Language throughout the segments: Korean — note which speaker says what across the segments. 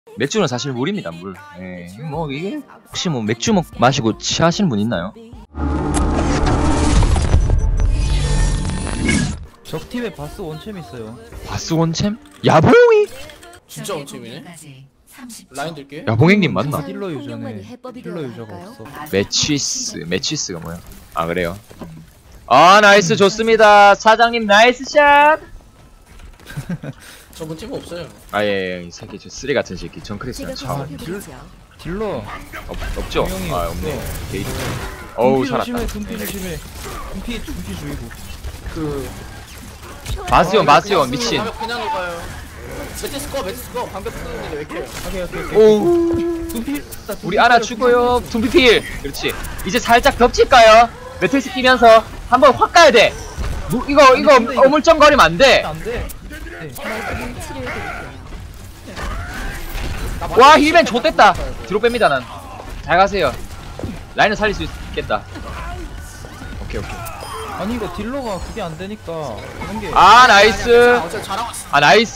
Speaker 1: 맥주는 사실 물입니다, 물. 예, 뭐 이게 혹시 뭐 맥주 마시고 취하시는 분 있나요?
Speaker 2: 적팀에 바스 원챔 있어요.
Speaker 1: 바스 원챔? 야봉이?
Speaker 3: 진짜 원팀이네. 라인 들게.
Speaker 1: 야봉행님 맞나?
Speaker 2: 딜러 유저네. 딜러 유저가 없어.
Speaker 1: 매치스가 뭐야? 아 그래요? 아 나이스 좋습니다. 사장님 나이스 샷.
Speaker 3: 저분 팀 없어요.
Speaker 1: 아예 이 새끼 저 쓰레 같은 새끼 정크리스랑 차
Speaker 2: 딜러.
Speaker 1: 없죠?
Speaker 2: 분명히
Speaker 1: 아
Speaker 2: 없어.
Speaker 1: 없네. 게이드. 어우 살았다.
Speaker 2: 둠피 조심해. 둠피 주의고.
Speaker 3: 그
Speaker 1: 바스온 미친.
Speaker 3: 방벽 그냥 녹아요. 매트스 꺼. 방벽 쓰는데 왜 이렇게?
Speaker 2: 오케이.
Speaker 1: 오.
Speaker 2: 둠피.
Speaker 1: 우리 하나 죽어요. 둠피필. 그렇지. 이제 살짝 겹칠까요? 매트리스 끼면서 한번 확 가야 돼. 이거 어물쩡거리면 안 돼.
Speaker 2: 안 돼.
Speaker 1: 와 힐맨 좆됐다. 뒤로 뺍니다 난. 잘 가세요. 라인을 살릴 수 있겠다. 오케이.
Speaker 2: 아니 이거 딜러가 그게 안 되니까 이런 게.
Speaker 1: 아 나이스.
Speaker 3: 어차피 잘하고 있어.
Speaker 1: 아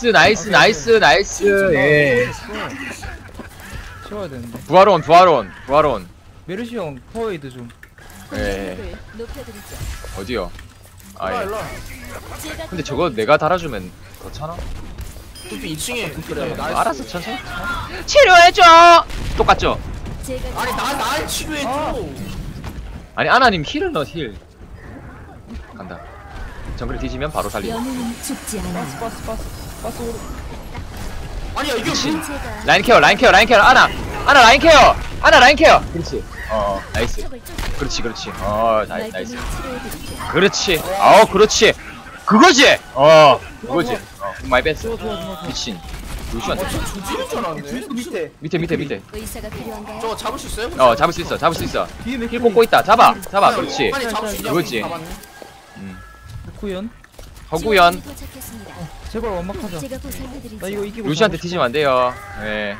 Speaker 1: 나이스. 예.
Speaker 2: 치워야 되는데.
Speaker 1: 부활온.
Speaker 2: 메르시 형 파워에이드 좀.
Speaker 1: 예. 어디요? 아 예.
Speaker 3: 일로 와.
Speaker 1: 근데 저거 내가 달아주면 그렇잖아.
Speaker 3: 둠피 2층에. 그래. 나이스.
Speaker 1: 알았어 천천히. 치료해줘. 똑같죠?
Speaker 3: 아니 날 치료해줘.
Speaker 1: 아니 아나님 힐을 넣어 힐. 간다. 정글 뒤지면 바로 살리고.
Speaker 4: 영웅은 죽지 않아.
Speaker 2: 바스 오르.
Speaker 3: 아니야 이게
Speaker 1: 그치.
Speaker 3: 무슨
Speaker 1: 라인 케어 아나 라인 케어 그렇지. 나이스. 그렇지 나이스. 그렇지. 그렇지. 그거지. 그거지. 많이 뺐어. 미친. 루시한테.
Speaker 3: 조지는 줄 알았네.
Speaker 1: 밑에.
Speaker 4: 의사가 필요한가요?
Speaker 3: 저거 잡을 수 있어요?
Speaker 1: 잡을 수 있어.
Speaker 2: 뒤에
Speaker 1: 힐 꽂고 있다. 잡아. 그렇지.
Speaker 3: 빨리 잡을 수 있냐고.
Speaker 1: 그거지.
Speaker 3: 잡았네.
Speaker 2: 구현.
Speaker 1: 허구연.
Speaker 4: 도착했습니다.
Speaker 2: 제발 완막하자.
Speaker 4: 제가 보살펴드리죠.
Speaker 2: 나 이거 이기고.
Speaker 1: 루시한테 튀지면 안 돼요. 예.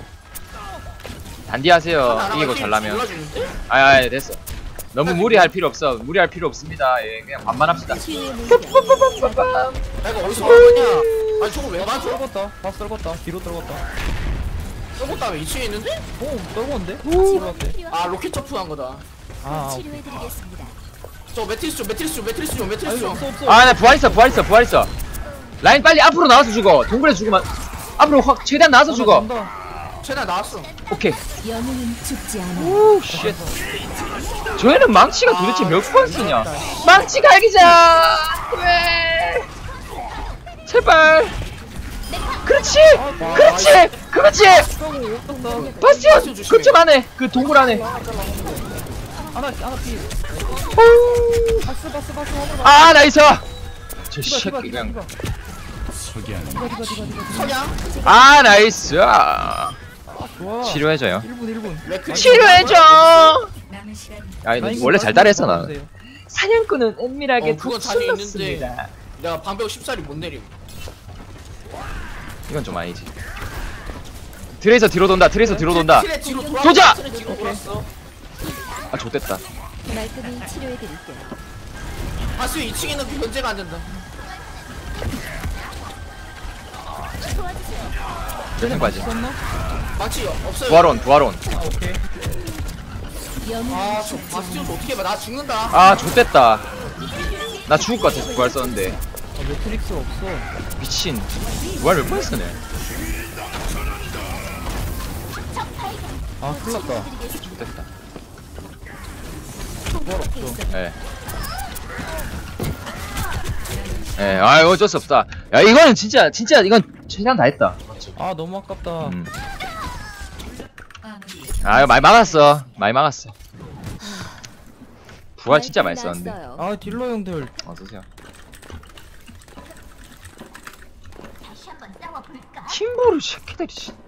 Speaker 1: 단디하세요. 이기고 잘라면.
Speaker 3: 몰라주는데?
Speaker 1: 아예 됐어. 너무 무리할 필요 없습니다. 예, 그냥 반만합시다.
Speaker 4: 치유의 물결.
Speaker 3: 야 이거 어디서 나왔냐? 아니 저거 왜 맞아?
Speaker 2: 떨궜다. 바스 떨궜다. 뒤로 떨궜다.
Speaker 3: 저거 다음에 2층에 있는데?
Speaker 2: 오 떨궜는데?
Speaker 4: 치료가 필요한
Speaker 3: 아 로켓 점프한 거다.
Speaker 4: 치료해드리겠습니다.
Speaker 3: 저 매트리스 좀.
Speaker 2: 없어.
Speaker 1: 아, 나 부활 있어. 라인 빨리 앞으로 나와서 죽어. 동굴에 죽으면 앞으로 확 최대한 나와서 죽어.
Speaker 3: 최나 나왔어.
Speaker 1: 오케이.
Speaker 4: 영웅은 죽지 않아.
Speaker 1: 오, 쉣. 저희는 망치가 도대체 몇 번 쓰냐? 망치 갈기자. 왜? 제발. 그렇지. 바스티온 그쪽 안에 그 동굴 안에.
Speaker 2: 하나 피.
Speaker 1: 오.
Speaker 2: 바스.
Speaker 1: 아 나이스. 저 새끼 그냥.
Speaker 3: 석양.
Speaker 1: 아 나이스.
Speaker 2: 좋아.
Speaker 1: 치료해줘요.
Speaker 2: 1분.
Speaker 1: 치료해줘. 야 이거 원래 잘 따라했어 나. 사냥꾼은 은밀하게
Speaker 3: 그건 자신 있는데
Speaker 1: 독수렸습니다.
Speaker 3: 내가 방벽 14리 못 내림.
Speaker 1: 이건 좀 아니지. 트레이서 뒤로 돈다.
Speaker 3: 트레 뒤로 돌아.
Speaker 1: 도자!
Speaker 3: 트레 뒤로 돌았어.
Speaker 1: 아 좋댔다.
Speaker 4: 말끔히 치료해드릴게요.
Speaker 3: 바스 2층에 있는 그 견제가 안 된다.
Speaker 1: 세상까지.
Speaker 3: 마치 없어요.
Speaker 1: 부활온.
Speaker 2: 오케이.
Speaker 4: 영웅은
Speaker 3: 아저
Speaker 4: 죽지
Speaker 3: 바스티온
Speaker 4: 않아.
Speaker 3: 어떻게 봐? 나 죽는다.
Speaker 1: 아 좋댔다. 나 죽을 것 같아서 부활 썼는데.
Speaker 2: 매트릭스 없어.
Speaker 1: 미친. 부활 몇 번 쓰네.
Speaker 2: 아 큰일났다.
Speaker 1: 좋댔다.
Speaker 4: 있어.
Speaker 1: 예, 아 어쩔 수 없다. 야 이거는 진짜 이건 최대한 다 했다.
Speaker 2: 아 너무 아깝다.
Speaker 1: 아 이거 많이 막았어. 부활 진짜 많이 썼는데.
Speaker 4: 났어요.
Speaker 2: 아 딜러 형들.
Speaker 1: 어서오세요. 팀보를 새끼들이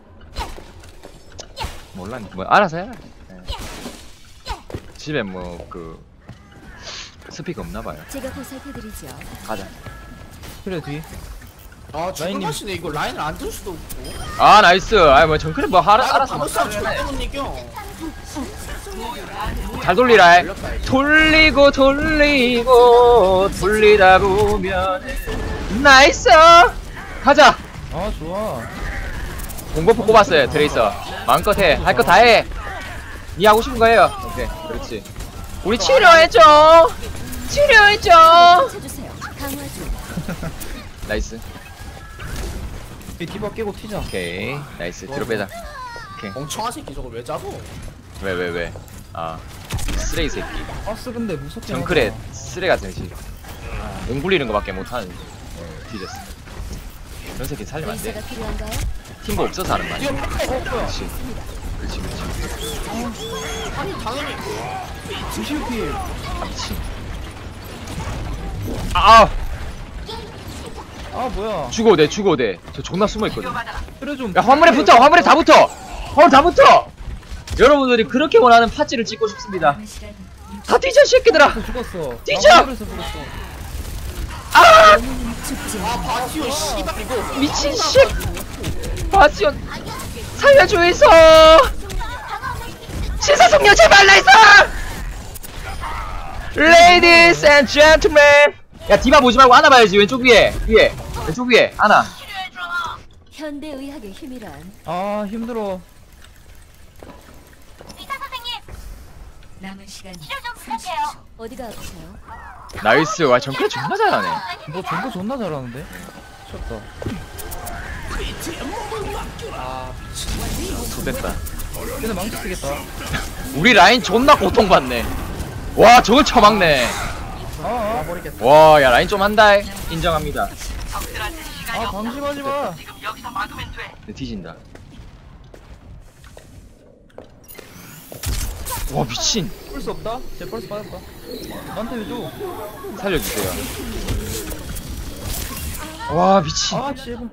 Speaker 1: 몰라 뭐 알아서 해라. 집에 뭐 그 스피커 없나봐요.
Speaker 4: 제가 보살펴드리죠.
Speaker 1: 가자.
Speaker 2: 그래 뒤.
Speaker 3: 아 죽을
Speaker 2: 라인님.
Speaker 3: 맛이네. 이거 라인을 안 들 수도 없고.
Speaker 1: 아 나이스. 아 뭐 정크는 뭐 알아서
Speaker 3: 방어
Speaker 1: 막
Speaker 3: 싸움 절대 못 이겨.
Speaker 1: 잘 돌리라. 돌리다 보면 나이스. 가자.
Speaker 2: 아 좋아.
Speaker 1: 공버프 꼽았어요 트레이서. 마음껏 해. 할 거 다 해. 니 하고 싶은 거 해요. 오케이 그렇지. 우리 치료해줘. 치료해줘.
Speaker 4: 찾으세요. 강화 중.
Speaker 1: 나이스.
Speaker 2: 이 디바 깨고 튀자.
Speaker 1: 오케이 나이스. 뒤로 빼자.
Speaker 3: 멍청한 새끼 저걸 왜 잡어?
Speaker 1: 왜? 아 쓰레기 새끼.
Speaker 2: 바스 근데 무섭게.
Speaker 1: 정크레
Speaker 2: 나가.
Speaker 1: 쓰레 같은 새끼. 용 굴리는 거밖에 못하는 뒤졌어. 그런 새끼 살리면 안 돼.
Speaker 4: 의사가 필요한가요?
Speaker 1: 팀보 없어서 하는 말이야.
Speaker 3: 뭐야?
Speaker 1: 그렇지. 그렇지.
Speaker 3: 아니 당연히
Speaker 2: 주시피.
Speaker 1: 아 미친. 아
Speaker 2: 아 뭐야?
Speaker 1: 죽어도 돼. 저 존나 숨어 있거든.
Speaker 2: 그래 좀.
Speaker 1: 야 화물에 붙어. 화물에 다 붙어. 화물 다 붙어. 여러분들이 그렇게 원하는 파츠를 찍고 싶습니다. 다 뒤져 새끼들아.
Speaker 2: 죽었어.
Speaker 1: 뛰죠!
Speaker 2: 나 화물에서 죽었어.
Speaker 1: 아
Speaker 4: 죽지
Speaker 3: 아 바티오 씨발 이거
Speaker 1: 미친 씨. 바지온 살려줘서. 신사숙녀 제발 나이스. Ladies and gentlemen. 야 디바 보지 말고 하나 봐야지. 왼쪽 위에 왼쪽 위에 하나.
Speaker 4: 현대 의학의 힘이란
Speaker 2: 아 힘들어.
Speaker 4: 남은 시간 어디가 아프세요?
Speaker 1: 나이스. 와 정크레 존나 잘하네.
Speaker 2: 너 전부 존나 잘하는데? 미쳤다.
Speaker 1: 좋됐다.
Speaker 2: 얘네 망치 쓰겠다.
Speaker 1: 우리 라인 존나 고통받네. 와 저걸 쳐막네.
Speaker 2: 아
Speaker 1: 와 야 라인 좀 한다. 인정합니다.
Speaker 2: 방심하지 마.
Speaker 1: 내 뒤진다. 와 미친.
Speaker 2: 펄스 없다? 제 펄스 받았다. 나한테 왜 줘?
Speaker 1: 살려주세요. 와 미친.
Speaker 2: 아 제발.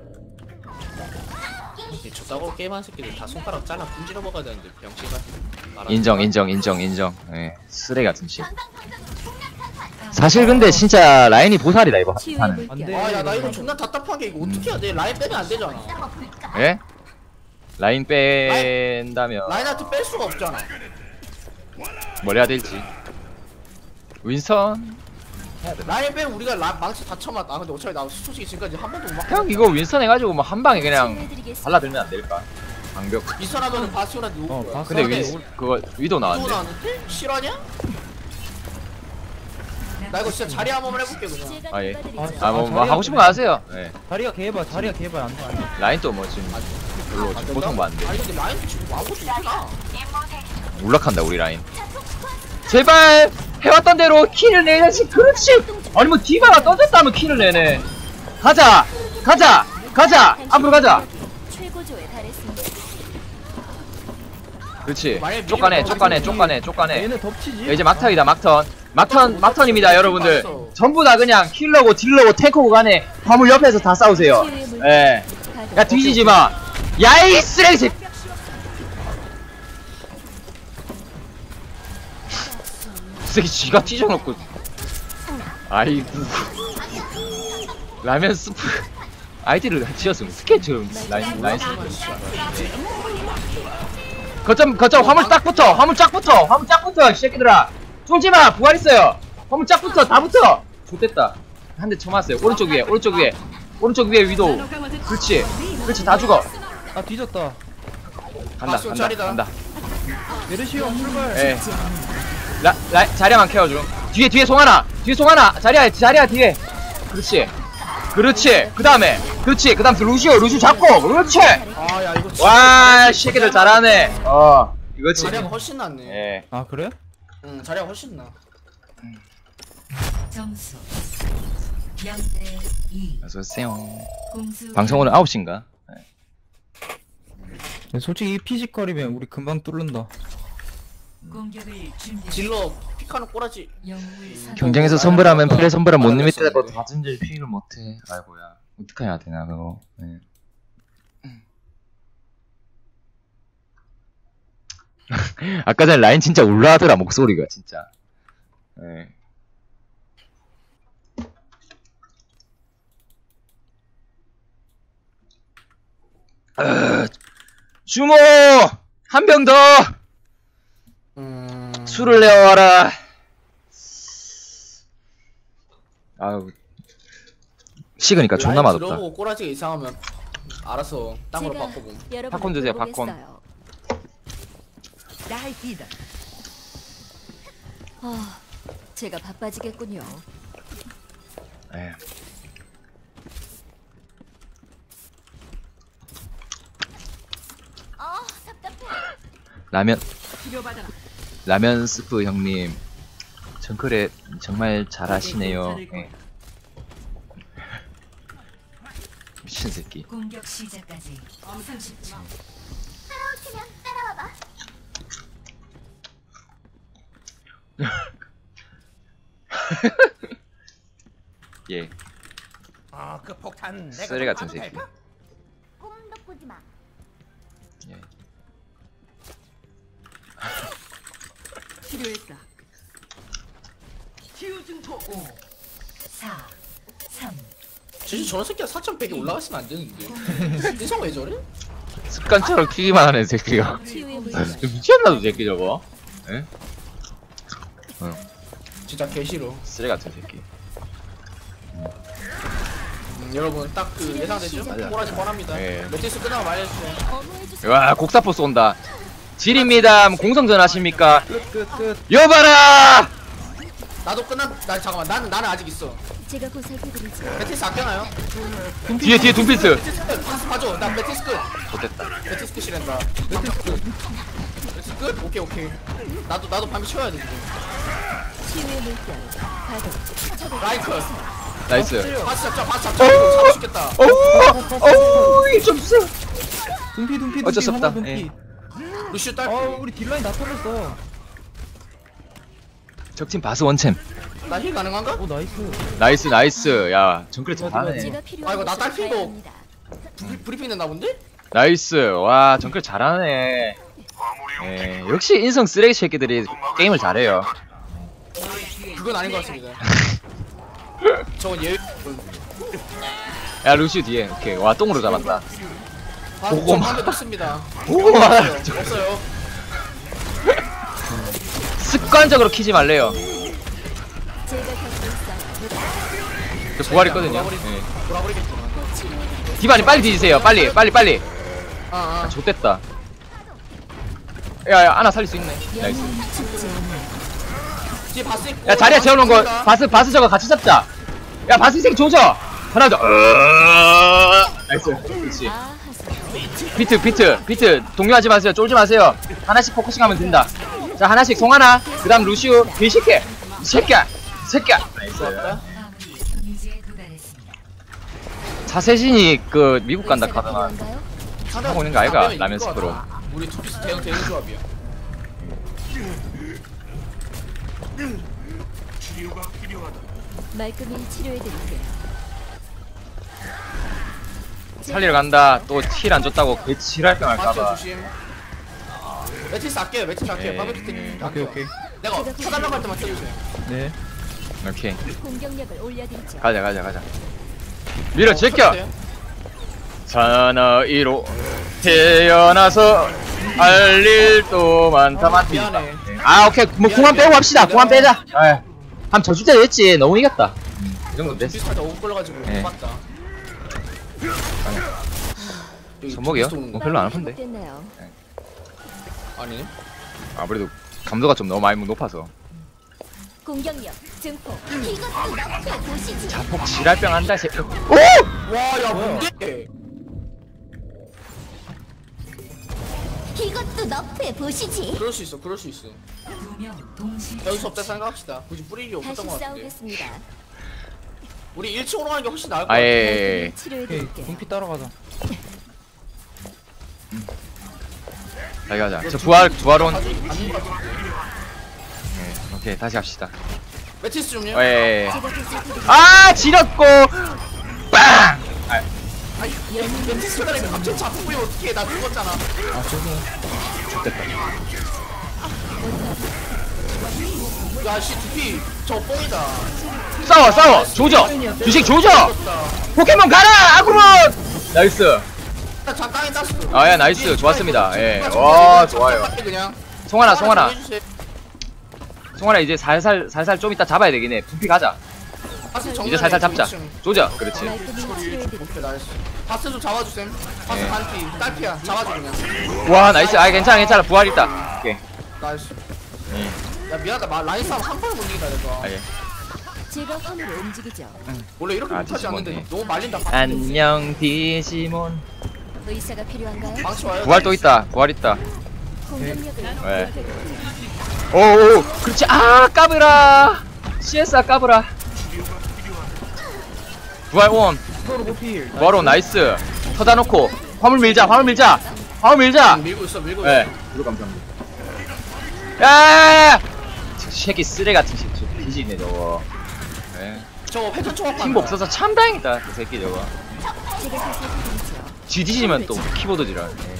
Speaker 3: 저 싸고 게임하는 새끼들 다 손가락 잘라 분질러 먹어야 되는데 병신가.
Speaker 1: 인정. 예 쓰레기 같은 씨. 사실 근데 진짜 라인이 보살이다 이거
Speaker 4: 치유의
Speaker 1: 하는.
Speaker 2: 안 돼.
Speaker 4: 물결
Speaker 3: 아야 나 이거 존나 답답한 게 이거 어떻게 해야 돼? 라인 빼면 안 되잖아.
Speaker 1: 예? 라인 뺀다면
Speaker 3: 라인한테 뺄 수가 없잖아.
Speaker 1: 뭘 해야 될지. 윈선.
Speaker 3: 라인 빼면 우리가 망치 다 쳐맞다. 아 근데 어차피 나 솔직히 지금까지 한 번도 못 맞고.
Speaker 1: 형 이거 윈선 해가지고 뭐 한 방에 그냥
Speaker 4: 치유해드리겠습니다.
Speaker 1: 발라들면 안 될까? 방벽.
Speaker 3: 이선하면은 바시오한테 누구 거야?
Speaker 2: 바스.
Speaker 1: 근데
Speaker 2: 근데
Speaker 1: 윈 그거 위도
Speaker 3: 누구
Speaker 1: 나왔는데.
Speaker 3: 나왔는데? 실화냐? 나 이거 진짜 자리 한 번만 해볼게 그냥.
Speaker 4: 제가
Speaker 1: 아, 예.
Speaker 4: 돌봐드리죠.
Speaker 1: 뭐 하고 싶은 거 하세요. 예.
Speaker 2: 자리가 개발 안 돼.
Speaker 1: 라인 또 뭐 지금 별로
Speaker 3: 안 된다?
Speaker 1: 고통받는데.
Speaker 3: 아니 근데 라인 지금 아무것도 못해나.
Speaker 1: 울락한다 우리 라인. 제발 해왔던 대로 킬을 내야지. 그렇지. 아니 뭐 디바가 던졌다면 킬을 내네. 가자 앞으로 가자.
Speaker 4: 최고조에 달했습니다.
Speaker 1: 그렇지.
Speaker 3: 만약에
Speaker 1: 쪽가네.
Speaker 2: 얘네 덮치지?
Speaker 1: 야, 이제 막턴이다 막턴입니다 여러분들. 전부 다 그냥 킬러고 딜러고 탱커고 간에 화물 옆에서 다 싸우세요.
Speaker 4: 치유의 물결
Speaker 1: 예.
Speaker 4: 가동.
Speaker 1: 야 뒤지지 마. 야이 쓰레기 새끼. 쓰레기 쥐가 찢어놓고. 아이고. 라면 스프. 아이디를 지었으면 스케치 라인 거점 화물 딱 붙어 이 새끼들아. 쫄지마. 부활 있어요. 화물 쫙 붙어. 다 붙어. 좋됐다. 한 대 쳐맞았어요. 오른쪽 위에 위도. 그렇지 다 죽어.
Speaker 2: 아 뒤졌다.
Speaker 1: 간다.
Speaker 2: 메르시오 출발.
Speaker 1: 예. 자리야만 케어줘. 뒤에 송하나. 자리야 뒤에. 그렇지. 그 다음에 루시오 잡고. 그렇지.
Speaker 3: 아야 이거 진짜
Speaker 1: 와, 새끼들 잘하네. 이거지.
Speaker 3: 자리가 훨씬 낫네.
Speaker 1: 예.
Speaker 2: 아 그래?
Speaker 3: 응 자리가 훨씬 나.
Speaker 4: 점수 0대2
Speaker 1: 어서오세요.
Speaker 4: 공수
Speaker 1: 방송 오늘 9시인가?
Speaker 2: 솔직히 이 피지컬이면 우리 금방 뚫는다.
Speaker 4: 공격을 준비
Speaker 3: 딜러 피카는 꼬라지.
Speaker 4: 영웅을 선
Speaker 1: 경쟁에서 선불하면 플레 선불한 못 리미트라고 다진질 피를 못해. 아이고야. 어떻게 해야 되나 그거. 예. 아까 전에 라인 진짜 울라하더라 목소리가 진짜. 예. 주모 한 병 더 술을 내어와라. 아유 식으니까 존나 맛없다.
Speaker 3: 들어보고 꼬라지가 이상하면 알았어. 땅으로
Speaker 4: 제가
Speaker 3: 바꿔봄.
Speaker 4: 여러분을
Speaker 1: 팝콘 주세요,
Speaker 4: 돌보겠어요. 아, 제가 바빠지겠군요.
Speaker 1: 예.
Speaker 4: 아, 답답해.
Speaker 1: 라면 스프 형님 정글에 정말 잘하시네요. 예. 미친 새끼.
Speaker 4: 공격 시작까지 30초.
Speaker 1: 예.
Speaker 5: 그 폭탄 내가
Speaker 1: 쓰레 같은
Speaker 5: 좀
Speaker 1: 새끼.
Speaker 5: 봐도
Speaker 4: 꿈도 꾸지 마.
Speaker 1: 예.
Speaker 4: 필요했다. 치유증포 5, 4, 3.
Speaker 3: 진짜 저런 새끼가 4,100에 올라갔으면 안 되는데. 인성 왜 저래?
Speaker 1: 습관처럼 키기만 하는 새끼가.
Speaker 4: 치유의 물결.
Speaker 1: 미쳤나 저 새끼 저거. 예?
Speaker 3: 진짜 개 싫어.
Speaker 1: 쓰레 같은 새끼.
Speaker 3: 여러분 딱 그 예상되죠?
Speaker 1: 맞아.
Speaker 3: 꼬라지 뻔합니다.
Speaker 1: 예.
Speaker 3: 매트리스 끝나고 말해주세요.
Speaker 4: 어머해주세요.
Speaker 1: 와 곡사포 쏜다. 질입니다. 공성전 하십니까?
Speaker 2: 끝.
Speaker 1: 여봐라.
Speaker 3: 나도 나 잠깐만 나는 아직 있어.
Speaker 4: 제가 보살펴드리죠.
Speaker 3: 매트리스 아껴놔요.
Speaker 1: 뒤에 둠피스.
Speaker 3: 매트리스 끝. 파스 봐줘. 나 매트리스 끝.
Speaker 1: 좋됐다.
Speaker 3: 매트리스 끝이란다. 매트리스 끝? 오케이. 나도 밤에 쳐야 돼. 지금.
Speaker 4: 치유의 물결. 가동.
Speaker 3: 라이크.
Speaker 1: 나이스.
Speaker 3: 파스 잡자. 잡고 싶겠다.
Speaker 1: 오우 좀 쎄.
Speaker 2: 둠피
Speaker 1: 어쩔 수 없다.
Speaker 2: 하나 둠피.
Speaker 3: 루시우 딸피.
Speaker 2: 우리 딜라인 다 털렸어.
Speaker 1: 적팀 바스 원챔.
Speaker 3: 나 힐 가능한가?
Speaker 2: 오 나이스.
Speaker 1: 나이스. 야 정글 잘하네.
Speaker 4: 제가 필요한
Speaker 3: 아이고, 나
Speaker 4: 곳으로
Speaker 3: 딸피도.
Speaker 4: 가야 합니다.
Speaker 3: 브리핑 된다 본데?
Speaker 1: 나이스. 와 정글 잘하네. 예, 역시 인성 쓰레기 새끼들이 게임을 잘해요.
Speaker 3: 그건 아닌 것 같습니다. 저건 예의.
Speaker 1: 야 루시우 뒤에. 오케이. 와 똥으로 잡았다. 보고 막-
Speaker 3: 한대 넣습니다.
Speaker 1: 보고 말아요.
Speaker 3: 없어요.
Speaker 1: 습관적으로 키지 말래요.
Speaker 4: 제가 곁에 있어요.
Speaker 1: 저 부활 있거든요. 예.
Speaker 3: 돌아버리겠구나.
Speaker 4: 치유의
Speaker 1: 디바님 빨리 뒤지세요. 빨리.
Speaker 3: 아.
Speaker 1: 좋됐다. 야 하나 살릴 수 있네. 나이스.
Speaker 4: 영웅은 죽지 않아.
Speaker 3: 뒤에 바스 있고.
Speaker 1: 야 자리에 재워놓은 거 바스 저거 같이 잡자. 야 바스 이 새끼 조져. 하나 더. 나이스. 그렇지.
Speaker 4: 아, 하세요.
Speaker 1: 비트 동요하지 마세요. 쫄지 마세요. 하나씩 포커싱하면 된다. 자 하나씩 송하나. 그다음 루시우. 개새끼. 새끼야. 나이스.
Speaker 3: 좋았다.
Speaker 4: 마무리. 이제 도달했습니다.
Speaker 1: 자세진이 그 미국 간다 카더만.
Speaker 4: 필요한가요?
Speaker 1: 하고 있는 거 아이가? 라면 스프로.
Speaker 3: 우리 투피스 대응 조합이야.
Speaker 4: 말끔히 치료해드릴게요.
Speaker 1: 살리러 간다. 또 힐 안 줬다고 개 칠할병
Speaker 3: 맞죠
Speaker 1: 할까봐.
Speaker 3: 조심. 매트리스 아껴요.
Speaker 1: 예.
Speaker 3: 바베큐 때.
Speaker 2: 오케이.
Speaker 3: 내가 쳐달라고 할 때만 쳐주세요.
Speaker 2: 네.
Speaker 1: 오케이.
Speaker 4: 공격력을 올려드리죠.
Speaker 1: 가자. 밀어 제껴. 사나이로 태어나서 할 일도 많다.
Speaker 3: 미안해.
Speaker 1: 아 오케이. 뭐 공만 빼고 갑시다. 공만 빼자. 한 저주자 됐지. 너무 이겼다. 이 정도 됐어.
Speaker 3: 비슷할 때 5 걸려가지고
Speaker 1: 예.
Speaker 3: 못 봤다. 여기
Speaker 1: 손목이요?
Speaker 3: 투피스 오는 거.
Speaker 1: 별로 안 아픈데.
Speaker 4: 회복됐나요?
Speaker 3: 아니네.
Speaker 1: 아무래도 감도가 좀 너무 많이 높아서.
Speaker 4: 공격력 증폭. 이것도 너프에 보시지.
Speaker 1: 자폭 지랄병 한다 새끼. 오!
Speaker 3: 와야 뭔데?
Speaker 4: 이것도 너프에 보시지.
Speaker 3: 그럴 수 있어.
Speaker 4: 2명 동시.
Speaker 3: 여기서 없다 생각합시다. 굳이 뿌리기 없었던
Speaker 4: 다시
Speaker 3: 것 같은데.
Speaker 4: 싸우겠습니다.
Speaker 3: 우리 1층으로 가는 게 훨씬 나을 것
Speaker 1: 아
Speaker 3: 같아.
Speaker 1: 예.
Speaker 4: 말끔히
Speaker 2: 오케이.
Speaker 4: 치료해드릴게요.
Speaker 2: 둠피 따라가자.
Speaker 1: 다시 가자. 저 부활온.
Speaker 3: 아닌 것 같은데.
Speaker 1: 예, 오케이 다시 합시다.
Speaker 3: 매트리스 좀요.
Speaker 1: 예.
Speaker 4: 제가 보살펴드릴게요.
Speaker 1: 아 지렸고 빵.
Speaker 3: 아니 매트리스 끝나니까 갑자기 자꾸 보이면 어떡해. 나 죽었잖아.
Speaker 2: 아 저기.
Speaker 1: 됐다.
Speaker 3: 야씨 두피 저 뽕이다.
Speaker 1: 싸워 조져. 주식 조져.
Speaker 3: 죽었다.
Speaker 1: 포켓몬 가라 아구몬. 나이스.
Speaker 3: 나 잠깐에 땄어.
Speaker 1: 아, 야, 나이스. 좋았습니다. 예. 와, 좋아요.
Speaker 3: 그냥.
Speaker 1: 송하나
Speaker 3: 해주세요.
Speaker 1: 이제 살살 좀 이따 잡아야 되긴 해. 두피 가자.
Speaker 3: 바스 정면에
Speaker 1: 이제 살살 잡자.
Speaker 3: 2층.
Speaker 1: 조져. 그렇지.
Speaker 4: 말끔히 치료해드릴게요.
Speaker 3: 오케이 나이스. 바스 좀 잡아주셈. 바스
Speaker 1: 예.
Speaker 3: 반피 딸피야. 잡아줘 그냥.
Speaker 1: 와 나이스. 아 괜찮아 괜찮아. 부활 있다. 오케이.
Speaker 3: 나이스.
Speaker 1: 예.
Speaker 3: 야 미안하다. 라인 싸움 한 번에 못 이기다 내가.
Speaker 1: 아 예.
Speaker 4: 제가 화물을 움직이죠.
Speaker 3: 원래 이렇게
Speaker 1: 아,
Speaker 3: 못하지 않는데
Speaker 1: 디지몬이네.
Speaker 3: 너무 말린다.
Speaker 1: 안녕 디지몬.
Speaker 4: 의사가 필요한가요?
Speaker 3: 망치 와요.
Speaker 1: 부활 또 있다. 부활 있다.
Speaker 4: 공격력을
Speaker 1: 네.
Speaker 4: 높여드릴게요.
Speaker 1: 오오. 그렇지. 아 까불아. CS 까불아. 부활 온.
Speaker 2: 서로 고필.
Speaker 1: 부활 온 나이스. 터다 놓고 화물 밀자. 화물 밀자. 화물 밀자.
Speaker 3: 밀고 있어 밀고
Speaker 1: 예.
Speaker 3: 있어.
Speaker 1: 이거 감사합니다. 야! 저 새끼 쓰레 같은 새끼 저 뒤지네 저거. 예.
Speaker 3: 저거 회전 초밥
Speaker 1: 팀 없어서 참 다행이다 그 새끼 저거.
Speaker 4: 제가 살펴드리죠.
Speaker 1: 쥐 뒤지면 또 키보드지라. 예.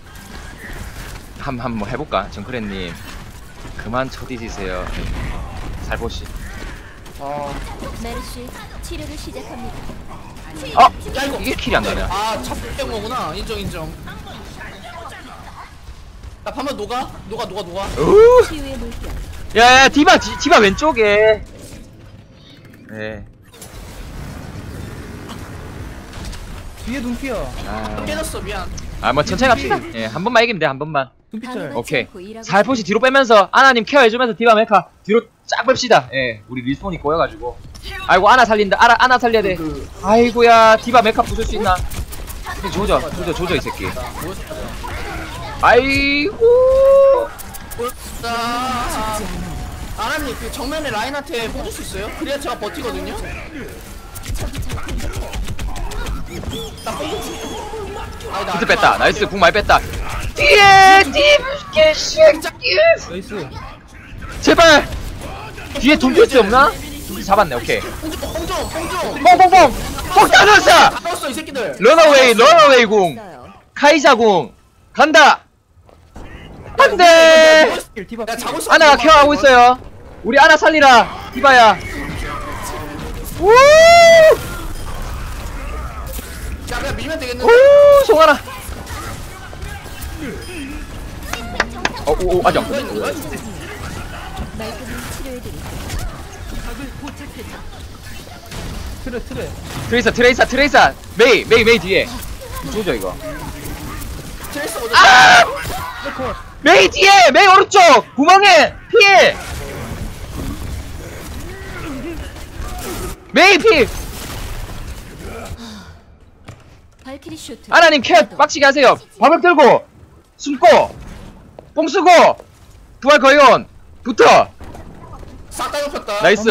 Speaker 1: 한번 해볼까 정크레님. 그만 쳐뒤지세요. 살포시.
Speaker 3: 아,
Speaker 4: 메르시 치료를 시작합니다.
Speaker 1: 어?
Speaker 3: 야 이거
Speaker 1: 이게 킬이 안 나냐?
Speaker 3: 첫 거구나. 인정. 나 반면 녹아.
Speaker 1: 우!
Speaker 4: 치유의 물결.
Speaker 1: 야야 디바 왼쪽에. 네.
Speaker 2: 뒤에 눈피야.
Speaker 3: 깨졌어 미안.
Speaker 1: 아뭐 천천히 갑시다. 예, 한 번만 이기면 돼 한 번만.
Speaker 2: 눈피짤.
Speaker 1: 오케이.
Speaker 4: 않고 일하고
Speaker 1: 살포시 뒤로 빼면서 아나님 케어해주면서 디바 메카 뒤로 쫙 뺍시다. 예, 우리 리스폰이 꼬여가지고. 아이고 아나 살린다. 아나 살려야 돼. 아이고야 디바 메카 부술 수 있나? 조져 이 새끼. 아이고.
Speaker 3: 자, 아람님 그 정면에 라인한테 꽂을 수 있어요? 그래야 제가 버티거든요. 나 꽂을.
Speaker 1: 비트 뺐다. 나이스 궁 많이 뺐다. 뒤에 개새끼.
Speaker 2: 나이스.
Speaker 1: 제발. 뒤에 돈줄수 없나? 둘이 잡았네. 오케이.
Speaker 3: 홍종.
Speaker 1: 뽕뽕뽕. 폭탄 넣었어.
Speaker 3: 다 넣었어 이 새끼들.
Speaker 1: 런어웨이 궁.
Speaker 4: 있어요.
Speaker 1: 카이사 궁. 간다. 안돼.
Speaker 2: 디바.
Speaker 3: 야 잡을 수.
Speaker 1: 아나가 케어하고 있어요. 우리 아나 살리라. 디바야. 우!
Speaker 3: 야 그냥 밀면 되겠는데.
Speaker 1: 우! 송하나. 오 아정.
Speaker 4: 말끔히 치료해드릴게요.
Speaker 2: 트레.
Speaker 1: 트레이서. 메이 뒤에. 조져 이거.
Speaker 3: 트레이스 어디?
Speaker 1: 아! 메이 뒤에! 메이 오른쪽! 구멍에! 피해! 메이 피!
Speaker 4: 발키리 쇼트.
Speaker 1: 아나님 캣 빡치게 하세요. 방벽 들고 숨고 뽕 쓰고 부활 거연 붙어.
Speaker 3: 싹다 눕혔다.
Speaker 1: 나이스.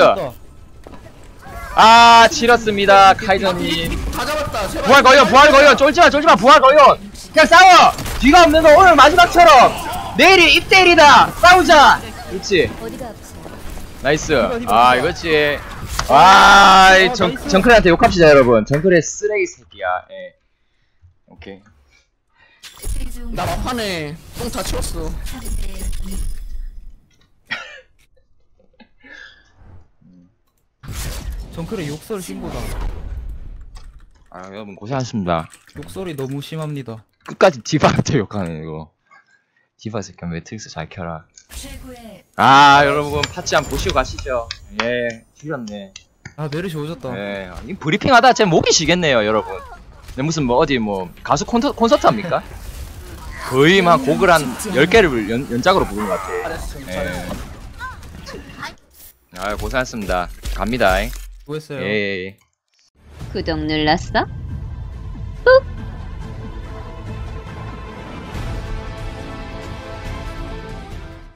Speaker 1: 아 치렀습니다 카이저님.
Speaker 3: 다 잡았다. 제발.
Speaker 1: 부활 거연 쫄지마 부활 거연. 그냥 싸워. 뒤가 없는 거 오늘 마지막처럼 내일이 입대일이다. 싸우자. 그렇지.
Speaker 4: 어디가 아프세요?
Speaker 1: 나이스.
Speaker 2: 디바.
Speaker 1: 아 이거지. 와 정크레한테 욕합시다 여러분. 정크레 쓰레기 새끼야. 예. 오케이.
Speaker 3: 나 막판에 똥 다 치웠어.
Speaker 2: 정크레 욕설 신고다.
Speaker 1: 아 여러분 고생하셨습니다.
Speaker 2: 욕설이 너무 심합니다.
Speaker 1: 끝까지 디바한테 욕하네 이거. 디바 새끼 매트릭스 잘 켜라.
Speaker 4: 최고의
Speaker 1: 아 여러분 파츠 한번 보시고 가시죠. 예 죽였네.
Speaker 2: 아 메르시 오졌다.
Speaker 1: 예 이 브리핑하다 제 목이 쉬겠네요 여러분. 네, 무슨 뭐 어디 뭐 가수 콘서트 합니까? 거의 막 곡을 한 10개를 연작으로 부른 것 같아.
Speaker 3: 잘했어.
Speaker 1: 예. 아 고생하셨습니다. 갑니다.
Speaker 2: 뭐 했어요?
Speaker 1: 예.
Speaker 6: 구독 눌렀어?